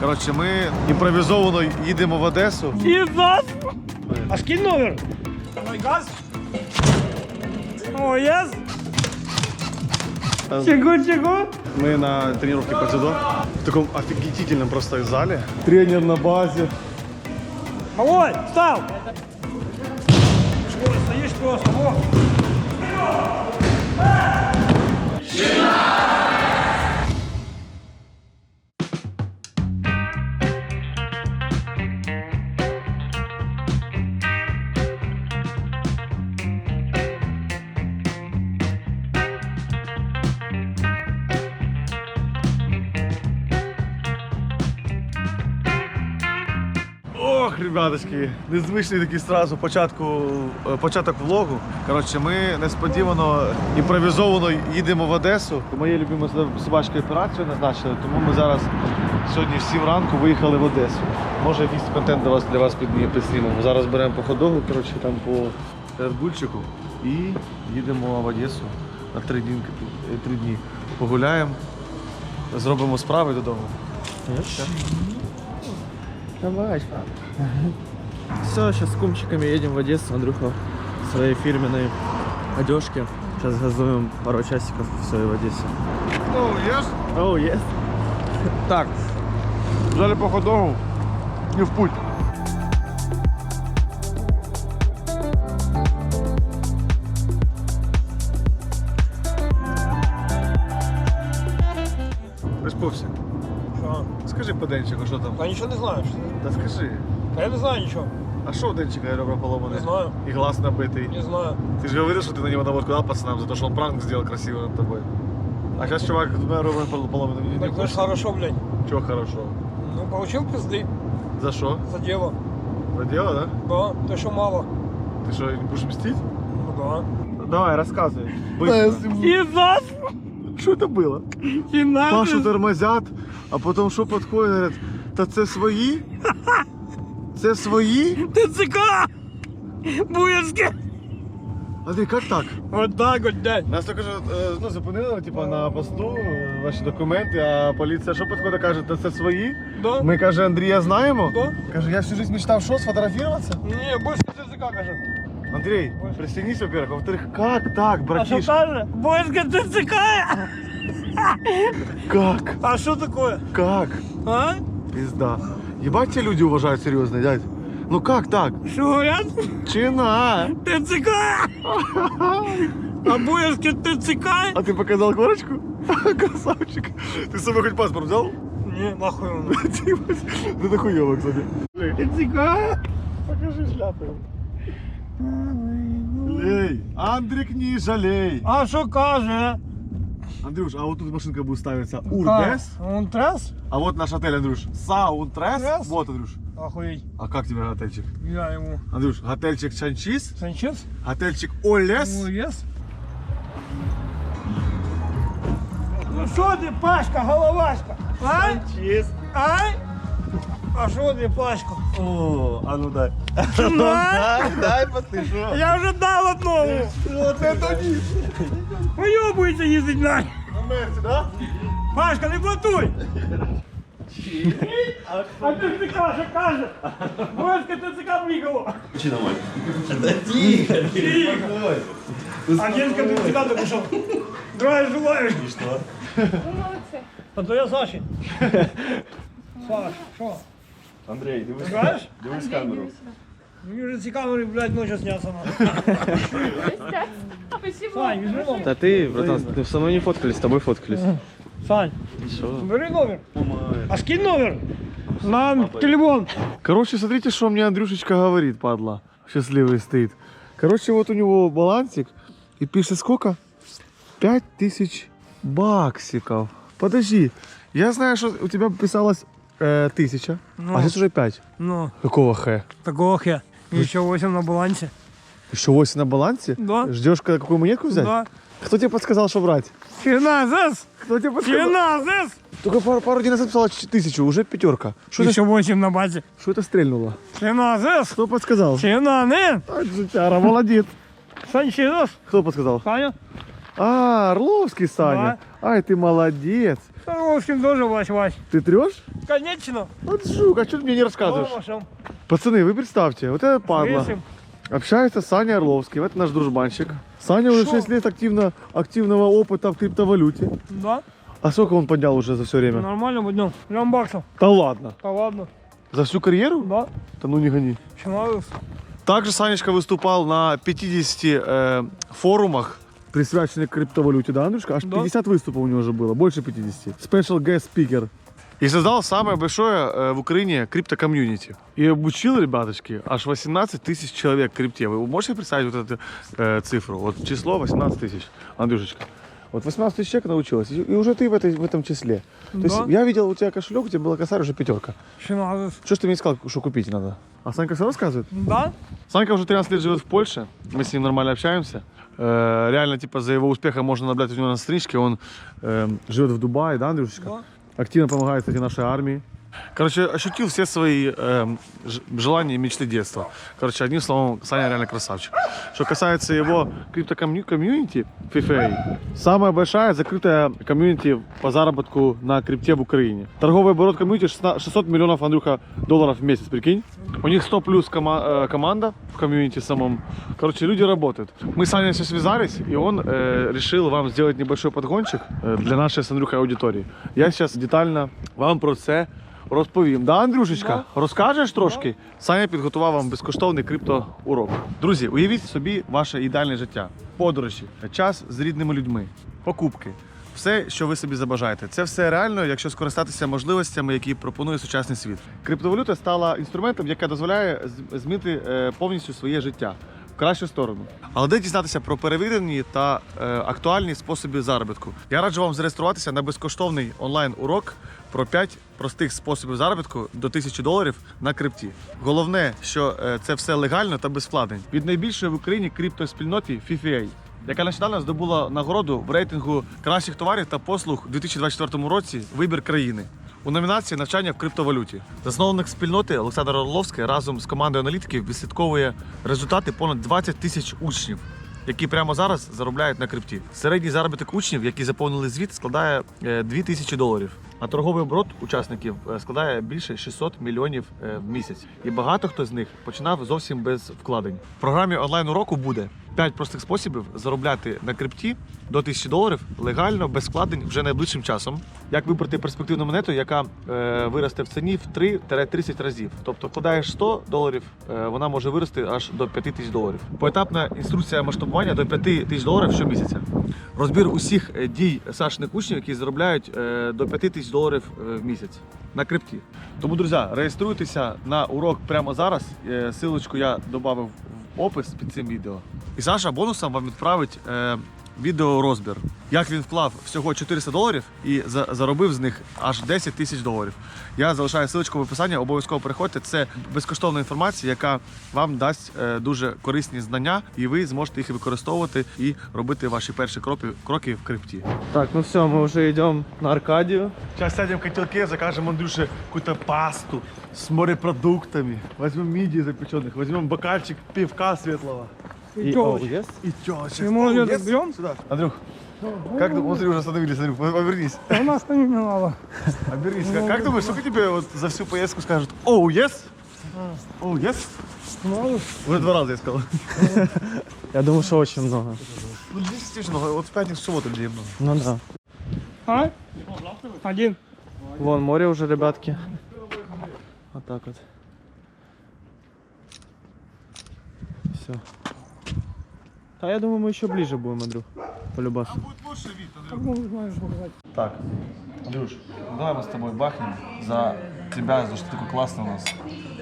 Коротше, ми імпровізовано їдемо в Одесу. Єс! А скинь номер? Ой, газ? О, єс! Чего? Мы на тренировке по дзюдо в таком офигительном просто зале. Тренер на базе. Малой, встал! Что, стоишь просто, во! Ох, ребяточки, незвичний такий сразу початок влогу. Коротше, ми несподівано імпровізовано їдемо в Одесу. Моєю любимою собачкою операцію назначили, тому ми зараз сьогодні в 7 ранку виїхали в Одесу. Може якийсь контент для вас підснімемо. Зараз беремо по ходову, коротше, там по Редбульчику і їдемо в Одесу на 3 дні. Погуляємо, зробимо справи додому. Давай. Все, сейчас с кумчиками едем в Одессу, Андрюха в своей фирменной одежке. Сейчас газуем пару часиков, все, и в Одессе. Oh, yes. Так, взяли по ходову і в путь. Приспався. Что? Скажи по Денчику, що там? Я ничего не знаю. Что... Та скажи. Я не знаю ничего. А що у Денчика ребра поломаны? Не знаю. И глаз набитый. Не знаю. Ты же говорил, что ты на него наводку дал пацанам за то, что он пранк сделал красиво над тобой. А сейчас чувак с двумя ребрами поломанными. Так это ж хорошо, блядь. Чего хорошо? Ну, получил пизды За что? за дело. За дело, да? Да, ты что мало? Ты что, не будешь мстить? Ну да. Давай, рассказывай. Быстро. Езас! Что это было? Пашу тормозят, а потом что подходит, говорят, та це свої? Це свої? ТЦК! Буєвське! Андрій, як так? Вот так вот, дядь. Нас тільки що зупинили типу, на посту, ваші документи, а поліція що підходить, каже, та це свої? Да? Ми, каже, Андрія знаємо. Да? Каже, я всю жизнь мечтав, що, сфотографуватися? Не, больше ТЦК, кажет. Андрій, пристегнись, во-первых, а во-вторых, как так, А что братиш? каже? Буєвське ТЦК! Как? А что такое? Как? А? Пизда. Ебать тебя люди уважают серьезно, дядь. Ну как так? Что говорят? Чина? ТЦК! А Буєвське ТЦК? А ты показал корочку? Красавчик. Ты с собой хоть паспорт взял? Не, нахуй он. Ну это хуёво, кстати. ТЦК? Покажи шляпу. Лей, Андрик, не жалей. А что каже? Андрюш, а вот тут машинка будет ставиться Урбес. Он трас? А вот наш отель, Андрюш. Саунтрес. Трес? Вот, Андрюш. Охуеть. А как тебе отельчик? Я ему. Андрюш, отельчик Чанчис, Санчес? отельчик Олес. Ну, ес. Ну что ты, Пашка, головашка? А? Санчис. Ай? А что ты, Пашка? О, а ну дай. На? Дай, послышу. Я уже дал одному. Вот это низ. Уебывается ездить на. На Мерсе, да? Пашка, не блатуй. А ТЦК что каже? Буєвське ТЦК приїхало. Агентка ТЦК допошел. Здравия желаю. И что? А то я Саші. Саш, що? Андрей, дивись. Знаєш? Дивись камеру. Мені вже ці камери, блядь, ночі сняться. Спасибо. Сань, візьми номер. Да ты, братан, ты со мной не фоткались, с тобой фоткались. Сань, Что? бери номер. А скинь номер на телефон. Короче, смотрите, что мне Андрюшечка говорит, падла. Счастливый стоит. Короче, вот у него балансик. И пишет сколько? 5000 баксиков. Подожди. Я знаю, что у тебя писалось 1000. Ну. А сейчас уже 5. Ну, Какого х? такого хе. Еще 8 на балансе. Еще 8 на балансе? Да. Ждешь, какую монетку взять? Да. Кто тебе подсказал, что брать? Финансес! Кто тебе подсказал? Финансес! Только пару дней назад писала 1000, уже 5. Что Еще 8 на базе. это стрельнуло? Финансес! Кто подсказал? Финаны! Ай, жутяра, молодец. Санчес! Кто подсказал? Саня? А, Орловский Саня. Да. Ай, ты молодец. Торговским тоже, Вась. Ты трешь? Конечно. Вот жук, а что ты мне не рассказываешь? Тормошем. Пацаны, вы представьте, вот это падла. Весим. Общается с Саней Орловским, это наш дружбанчик. Саня уже Шо? 6 лет активного опыта в криптовалюте. Да? А сколько он поднял уже за все время? Нормально будем. Миллион баксов. Да ладно. Да ладно. За всю карьеру? Да. Да ну не гони. Чиналус. Также Санечка выступал на 50 форумах, присвященных криптовалюте, да, Андрюшка? Аж Да. 50 выступов у него уже было, больше 50. Special guest speaker. И создал самое большое в Украине крипто-комьюнити. И обучил, ребяточки, аж 18 тысяч человек в крипте. Вы можете представить вот эту цифру? Вот число 18 тысяч, Андрюшечка. Вот 18 тысяч человек научилось, и уже ты в этом числе. То есть Да. я видел у тебя кошелек, у тебя была косарь уже 5. Чиналус. Что ж ты мне сказал, что купить надо? А Санька все рассказывает? Да? Санька уже 13 лет живет в Польше, мы с ним нормально общаемся. Реально, типа, за его успехом можно наблюдать у него на страничке. Он живет в Дубае, да, Андрюшечка? Да. Активно помогает, кстати, нашей армии. Короче, ощутил все свои желания и мечты детства. Короче, одним словом, Саня реально красавчик. Что касается его крипто-комьюнити, FIFA, самая большая закрытая комьюнити по заработку на крипте в Украине. Торговый оборот комьюнити 600 миллионов, Андрюха, долларов в месяц, прикинь. У них 100 плюс команда в комьюнити самом. Короче, люди работают. Мы с Саней все связались, и он решил вам сделать небольшой подгончик для нашей с Андрюхой аудитории. Я сейчас детально вам про це розповім. Да, Андрюшечка? Розкажеш трошки? Саня підготував вам безкоштовний криптоурок. Друзі, уявіть собі ваше ідеальне життя. Подорожі, час з рідними людьми, покупки. Все, що ви собі забажаєте. Це все реально, якщо скористатися можливостями, які пропонує сучасний світ. Криптовалюта стала інструментом, який дозволяє змінити повністю своє життя в кращу сторону. Але де дізнатися про перевірені та актуальні способи заробітку? Я раджу вам зареєструватися на безкоштовний онлайн-урок про 5 простих способів заробітку до $1000 на крипті. Головне, що це все легально та без вкладень. Від найбільшої в Україні криптоспільноти FIFA, яка нещодавно здобула нагороду в рейтингу кращих товарів та послуг у 2024 році «Вибір країни» у номінації «Навчання в криптовалюті». Засновник спільноти Олександр Орловський разом з командою аналітиків відслідковує результати понад 20 тисяч учнів, які прямо зараз заробляють на крипті. Середній заробіток учнів, які заповнили звіт, складає $2000, а торговий оборот учасників складає більше 600 мільйонів в місяць. І багато хто з них починав зовсім без вкладень. В програмі онлайн-уроку буде 5 простих способів заробляти на крипті до $1000 легально, без вкладень вже найближчим часом. Як вибрати перспективну монету, яка виросте в ціні в 3-30 разів. Тобто вкладаєш $100, вона може вирости аж до $5000. Поетапна інструкція масштабування до $5000 щомісяця. Розбір усіх дій Сашиних учнів, які заробляють до $5000 в місяць на крипті. Тому, друзі, реєструйтеся на урок прямо зараз. Силочку я додав в опис під цим відео. І Саша бонусом вам відправить відеорозбір. Як він вклав всього $400 і заробив з них аж $10 000. Я залишаю ссылочку в описанні, обов'язково переходьте. Це безкоштовна інформація, яка вам дасть дуже корисні знання, і ви зможете їх використовувати і робити ваші перші кроки в крипті. Так, ну все, мы уже идем на Аркадию. Сейчас сядем в котелке, закажем Андрюше какую-то пасту с морепродуктами. Возьмем мидии запеченных, возьмем бокальчик пивка светлого. И тёлочек. yes? И тёлочек. И мы её Yes? так берём? Сюда. Андрюх, как думаешь, смотри, уже остановились, Андрюх, обернись. Да у нас не надо. Обернись. Как думаешь, сколько тебе вот за всю поездку скажут? Оу, yes? Оу, yes? Чиналус. Уже 2 раза я сказал. Я думаю, что очень много. Ну, здесь действительно много. Вот в пятницу, в субботу людей много. Ну да. А? Один. Вон море уже, ребятки. Вот так вот. Все. А я думаю, мы еще ближе будем, Андрюх. Полюбас. Будет лучше вид, Андрюх. Как можно знаешь показать? Так, Андрюш, ну давай мы с тобой бахнем за тебя, за что ты такой классный у нас.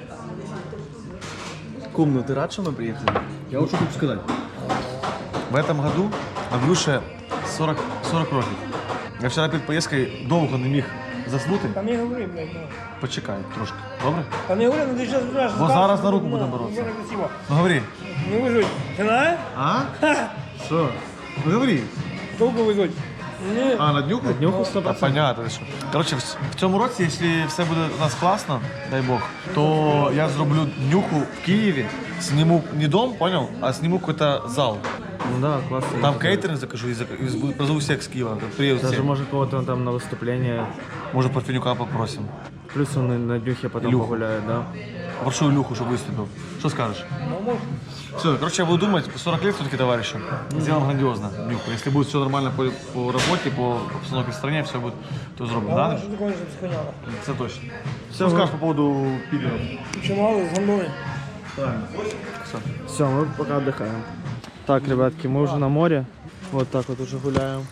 Кум, ну ты рад, что мы приехали? Я вот что хочу сказать. В этом году Андрюше 40 років. Я вчора перед поїздкою довго не міг заснути. Та не говори, блядь, ну. Почекай трошки, добре? Та не говори, ну ти зараз будеш. Бо зараз на руку будемо боротися. Красиво. Ну говори. Не вижуть. Ти знаєш? А? Що? Ну говори. Довго везуть. Ні. А, на днюху? На днюху 100%. Понятно, що. Коротше, в цьому році, якщо все буде у нас класно, дай Бог, то я зроблю днюху в Києві, сниму не дом, понял, а сниму какой-то зал. Ну да, классно. Там кейтеринг закажу и позову всех с Киева. Приедут Даже все. может кого-то там на выступление. Может, Парфенюка попросим. Плюс он на днюхе потом Илюху. погуляет, да? Попрошу Илюху, чтобы выступил. Что скажешь? Все, короче, я буду думать, 40 лет все-таки товарищу. Сделаем грандиозно. Нюху. Если будет все нормально по работе, по обстановке в стране, все будет, то сделаем. Да? Що такое же схоняла? Это точно. Все, Что скажешь по поводу пидоров? Чимало з гондоли. Правильно. Все, мы пока отдыхаем. Так, ребятки, мы уже на море. Вот так вот уже гуляем.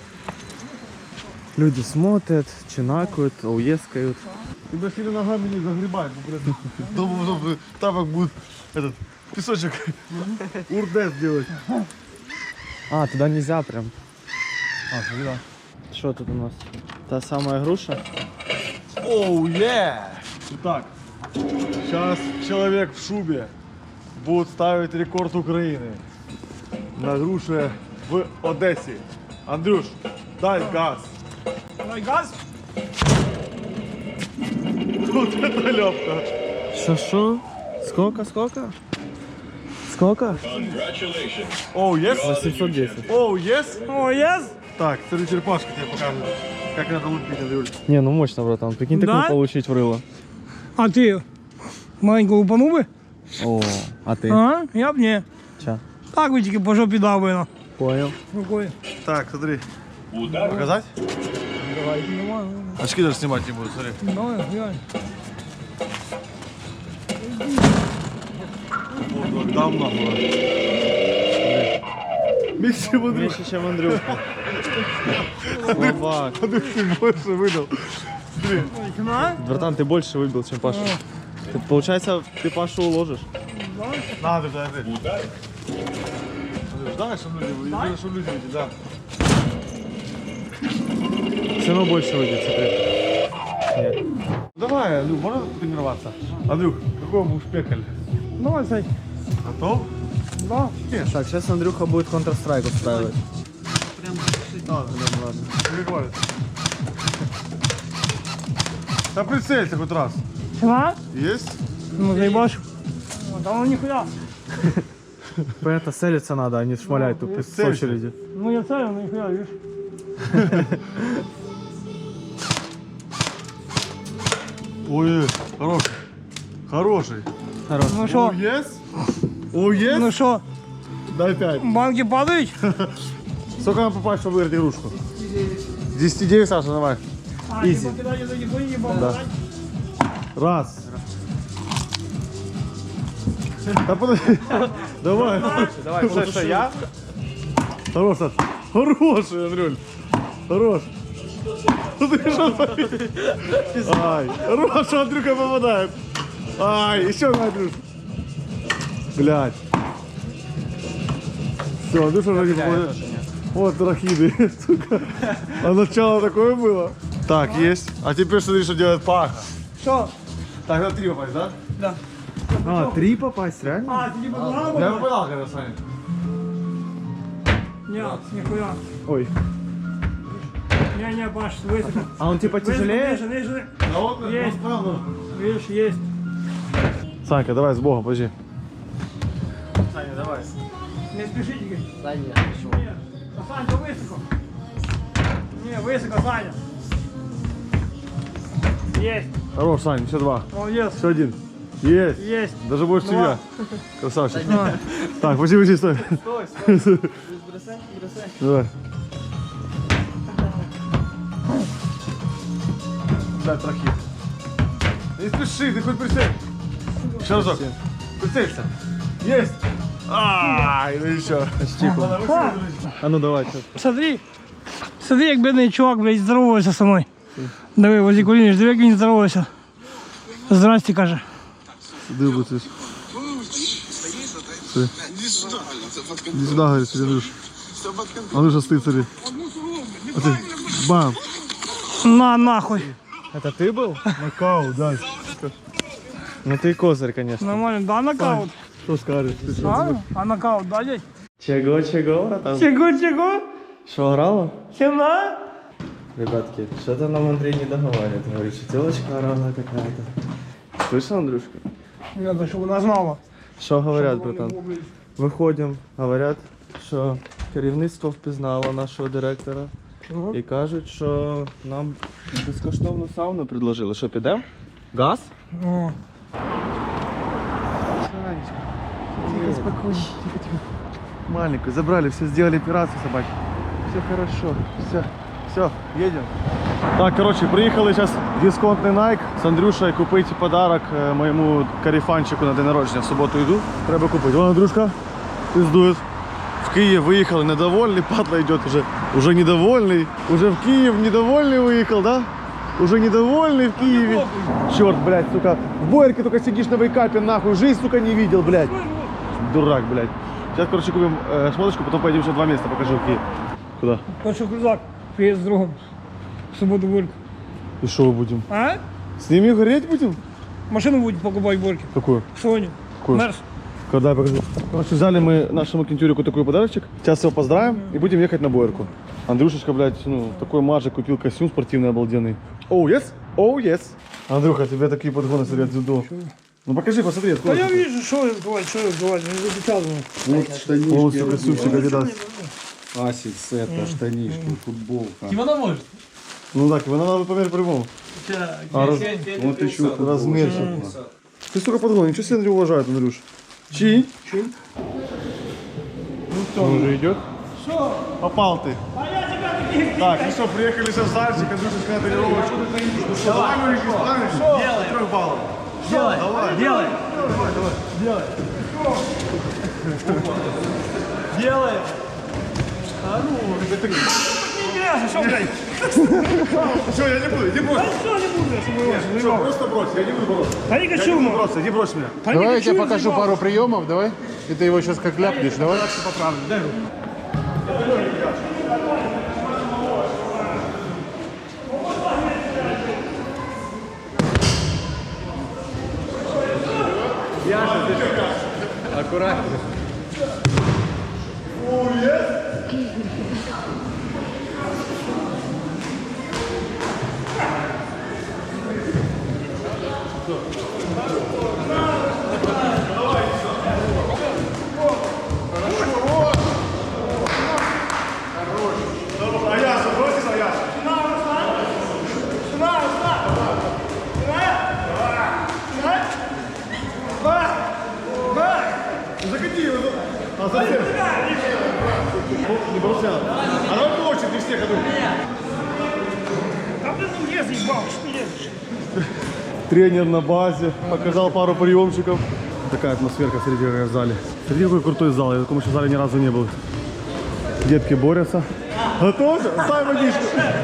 Люди смотрят, чинакают, ауескают. Тебя сильно ногами не загребать. Думаю, тапок будет этот песочек урдес делать. А, туда нельзя прям. А, смотри, да. Что тут у нас? Та самая груша? Оу, Итак, сейчас человек в шубе будет ставить рекорд Украины на груше в Одессе. Андрюш, дай газ. Дай газ? Вот это лёпка. Шо? Сколько? Сколько? Оу, ес? 810. Оу, ес? О, єс? Так, смотри, черепашка тебе покажет, как надо лупить, Андрюш. Не, ну мощно, братан. Прикинь, Да? такую получить в рыло. А ти маленьку лупанув би? О, а ты? А? Я б ні. Ча? Так би тільки по жопі дав би, ну. Понял. Рукою. Так, смотри. Показать? Давай, нормально. Очки даже снимать не буду, смотри. Давай, глянь. Вот, дам нахуй. Меньше Андрюш. Меньше, чем Андрюха. Слабак. Андрюш, ты больше выдал. Смотри. На? Братан, ты больше выбил, чем Паша. Ты, получается, ты Пашу уложишь. Надо, подожди. Андрюш, дай, чтобы люди, чтобы люди видели, да. Все равно больше выйдет, смотри. Нет. Давай, Андрюх, можно тренироваться? Андрюх, какой будешь пекаль? Давай, Сань. Готов? Да. Так, сейчас Андрюха будет Counter-Strike устраивать. Ладно, ладно. Не говорит. Да прицелься хоть раз. Сюда? Есть? Ну, заебашь. Да ну нихуя. Понятно, целиться надо, а не шмалять тут с целься. очереди. Ну, я целен, ну нихуя, видишь. Ой, хороший. Хороший. Хорош. Ну что? Есть? О, есть? Ну что, Дай 5. банки падают? Сколько нам попасть, чтобы выиграть игрушку? 10-9, Саша, давай. А, Изи. не покидай, не бои, не Да. Раз. Да подожди. Давай. Давай, что, я? Хорош, Саш. Хороший, Андрюль. Хорош. Ну ты что творишь? Ай. Хорош, Андрюха попадает. Ай, еще на Андрюш. Блядь. Все, Андрюша уже не попадет. Вот рахиды, сука. А начало такое было? Так, есть. А теперь смотри, что делает Паха. Что? Так, на 3 попасть, да? Да. А, 3 попасть, реально? А, ты типа туда Я был? попадал, когда Саня. Нет, нихуя. Ой. Не, Паш, высоко. А он типа тяжелее? Выше, выше, А вот, Есть. правда. видишь, есть. Санька, давай с Богом, подожди. Саня, давай. Не спешите. Да нет, Нет. А Саня, высоко. Не, высоко, Саня. Есть. Хорош, Саня, все 2. Молодец. Все 1. Есть. Есть. Даже больше, чем Два. я. Красавчик. Давай. Так, подожди, стой. Стой, стой. Бросай, бросай. Давай. Дай трохи. Не спеши, ты хоть присядь. Еще разок. Прицелься. Есть. Ай, ну еще. А ну давай, что? Смотри, як бідний чувак, блядь, здоровається со мною. Диви, возле коліни, диви, як він здоровається. Здрасте, каже. Сюда будет здесь. Иди сюда, говорит, смотри, Андрюш. Андрюша стоит, смотри. А ты, бам. На, нахуй. Это ты был? Нокаут, да. Ну ты козырь, конечно. Нормально, да, нокаут? Что скажешь? А нокаут, да, дядь? Чего, братан? Чего? Что, орала? Сильно? Ребятки, что-то нам Андрей не договаривает. Говорит, что телочка орала какая-то. Слышал, Андрюшка? Надо, чтобы она знала. Что говорят, братан? виходимо, говорять, що керівництво впізнало нашого директора і кажуть, що нам безкоштовну сауну предложили. Що, підемо? Газ? О. Тихо, спокойно, тихо. Маленькую забрали, все сделали операцию собаки. Все хорошо, все, едем. Так, короче, приїхали зараз в дисконтний Nike з Андрюшею купити подарок моєму карифанчику на день народження. В суботу йду, треба купити. Вон Андрюшка пиздует. В Киев выехал, недовольный, падла идет уже недовольный. Уже в Киев недовольный выехал, да? Уже недовольный в Киеве. Черт, блядь, сука. В Боярке только сидишь на вейкапе, нахуй. Жизнь, сука, не видел, блядь. Дурак, блядь. Сейчас, короче, купим шмоточку, потом поедем еще 2 места, покажу в Киев. Куда? Хочу крузак, приїзд з другом. В суботу в Борьку. И что мы будем? А? С ними гореть будем? Машину будем покупать в Борьке. Какую? Соню. Какую? Мерс. Когда я покажу. Короче, взяли мы нашему кентюрику такой подарочек. Сейчас его поздравим и будем ехать на Боярку. Андрюшечка, блядь, ну, такой мажик купил костюм спортивный обалденный. Оу, yes? Оу, yes. Андрюха, тебе такие подгоны сидят дзюдо. Ну покажи, посмотри, А откуда. я вижу, що відбувається, не запечатано. Вот штанишки. О, сука, костюмчик Adidas. Асикс, это, штанишки, футболка. Вона може. Ну так, его надо померить по-любому. А Вот еще размерчик. Ты, сука, подгон, ничего себе Андрю уважает, Андрюш. Чи? Ну что, он уже идет? Що? Попал ты. А я тебе таких Так, ну что, приехали сейчас в Зальчик, Андрюшечка на тренировочку. Ну что, давай, мужики, справимся? Делай. 3 баллов. Делай, Давай. делай, Делай. делай. Интересно, що, блядь? Все, я не буду, иди брось. Що не буде, щоб ви Нет, все, просто брось, я не буду бороться. Та не Я не хочу, буду ну. бороться, иди брось меня. Та Давай не я тебе хочу, покажу заебал. пару приемов, давай. И ты его сейчас как ляпнешь, давай. Аккуратно. Аяс, бросишь, Аяс? Закати его. А зачем? Не бросай. А давай по очереди всех иду. А ты ну лез, ебал, что ты лезешь? Тренер на базе, показал пару приемчиков. Такая атмосферка среди в зале. Смотри, какой крутой зал, я в таком еще зале ни разу не был. Детки борются. Готовься? Ставь водичку.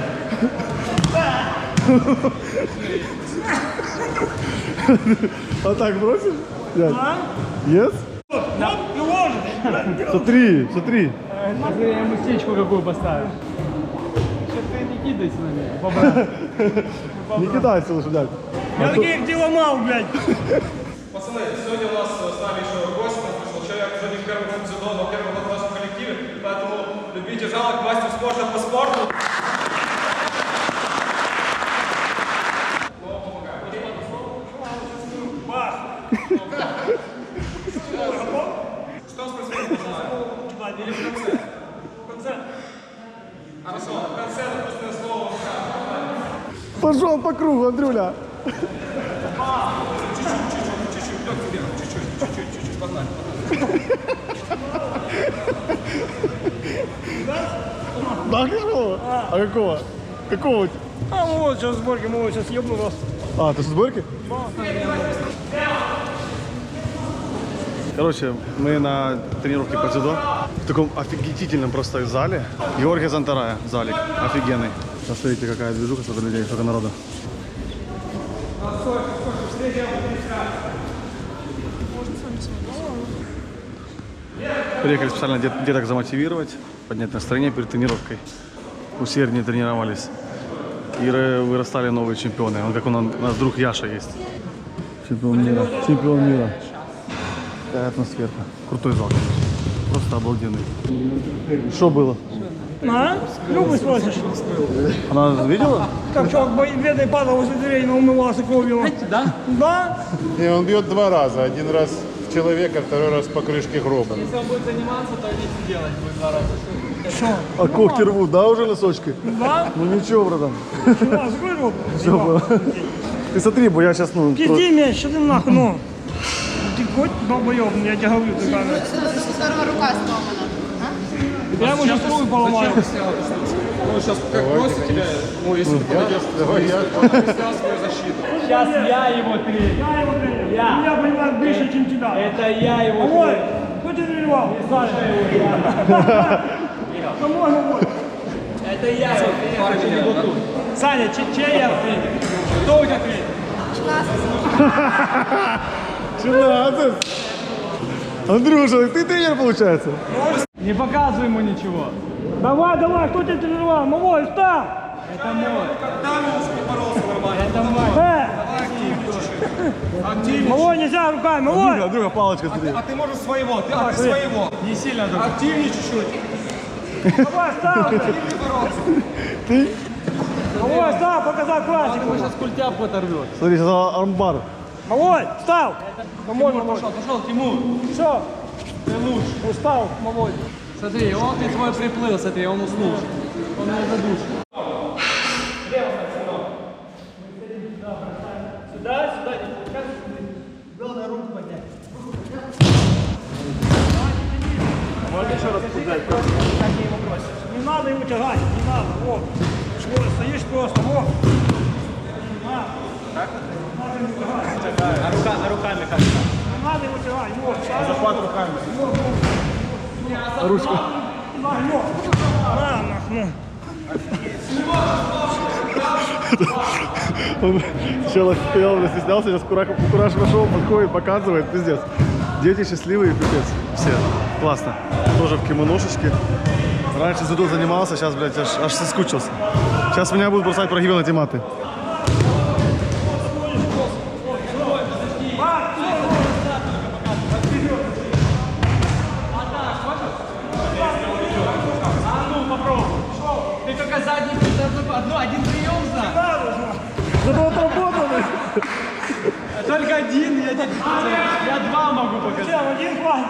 А так бросишь? Дядь? Yes? Да, ну ложишь. Смотри, смотри. Я ему стечку какую поставил. Что ты не кидайся на меня, побрат. Не кидайся лучше, дядь. Я таких не ломал, блядь. Пацаны, сегодня у нас с нами еще гость, у нас пришел человек, уже не в первый год дзюдо, но первый год в нашем коллективе, поэтому любите жалок, мастер спорта по спорту. Что у нас происходит? Или в конце? В конце? Хорошо, в конце написанное слово. Пошел по кругу, Андрюля. Да, какого? А какого? Какого? у тебя? А вот сейчас сборки, мы вот сейчас ебну вас. А, ты с сборки? Короче, мы на тренировке по дзюдо в таком офигительном просто зале. Георгия Зантарая, залик, офигенный. Посмотрите, какая движуха, сколько людей, сколько народу. Приехали специально деток замотивировать, поднять настроение перед тренировкой. Усерднее тренировались. И вырастали новые чемпионы. Он как у нас друг Яша есть. Чемпион мира. Чемпион мира. Такая атмосфера. Крутой зал, конечно. Просто обалденный. Что было? А? Любы спросишь. Она видела? Как чувак бедный падал возле дверей, но умывался кровью. Да? Да? И он бьет 2 раза. 1 раз в человека второй раз по крышке гроба. Если он будет заниматься, то не делать будет 2 раза. Що? А когти рвут, да, уже носочки? Да? Ну ничего, братан. Чувак, закрой рот. Все было. Ты смотри, бо я сейчас, ну... Пизди меня, что ты нахуй, ну. Ты хоть долбоёб, я тебе говорю, ты камера. Вторая рука сломана. Я ему сейчас руку поломаю. Ну, сейчас как бросит тебя, ну, если ты подойдешь, Давай я. снял свою защиту. Сейчас я его тренер. Я его тренер. Я. Я понимаю больше, чем тебя. Это я его Ой, тренер. кто тебя тренировал? Саша его. Кому он будет? Это я его тренер. Саня, чей я тренер? Кто у тебя тренер? 17. Андрюша, ты тренер, получается? Не показывай ему ничего. Давай, давай, кто тебя тренировал? Малой, встал! Это мой. Это мой. Малой, нельзя руками, малой! Андрюха, палочка, смотри. А ты можешь своего, ты своего. Не сильно друг. Активнее чуть-чуть. Давай, встал! Малой, встал, показал классику! Сейчас культяпку оторвет. Смотри, сейчас армбар. Малой, встал! Малой, малой. Пошел, Тимур. Все, Ты лучше. устал, малой. Смотри, он ты твой приплыл, смотри, он уснул. Он не задушит. Сюда, сюда, не пускай. Главное, руку поднять. Можно еще раз поднять? Как я его бросишь? Не надо его тягать, не надо, вот. Вот, стоишь просто, вот. А руками как-то. Не надо его тягать, вот. Захват руками. Ручку. На, нахуй. Он сначала стоял, стеснялся, сейчас кураж пошел, подходит, показывает, пиздец. Дети счастливые, пипец, все. Классно. Тоже в кимоношечке. Раньше дзюдо занимался, сейчас, блядь, аж соскучился. Сейчас меня будут бросать прогибы на тематы. Ты только задний, один прием знал. Зато отработанный. Только один, я 2 могу показать. Всем один хватит.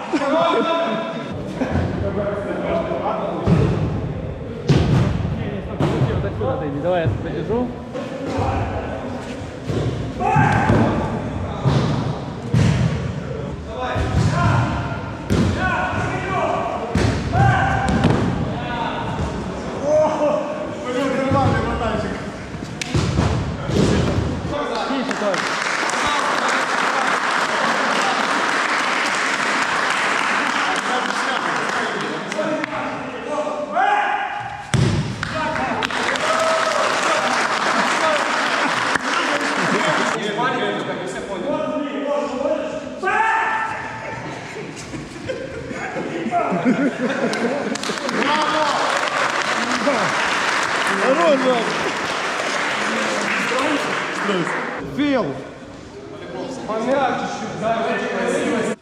Давай я подержу. Фил! Помягче чуть-чуть, да,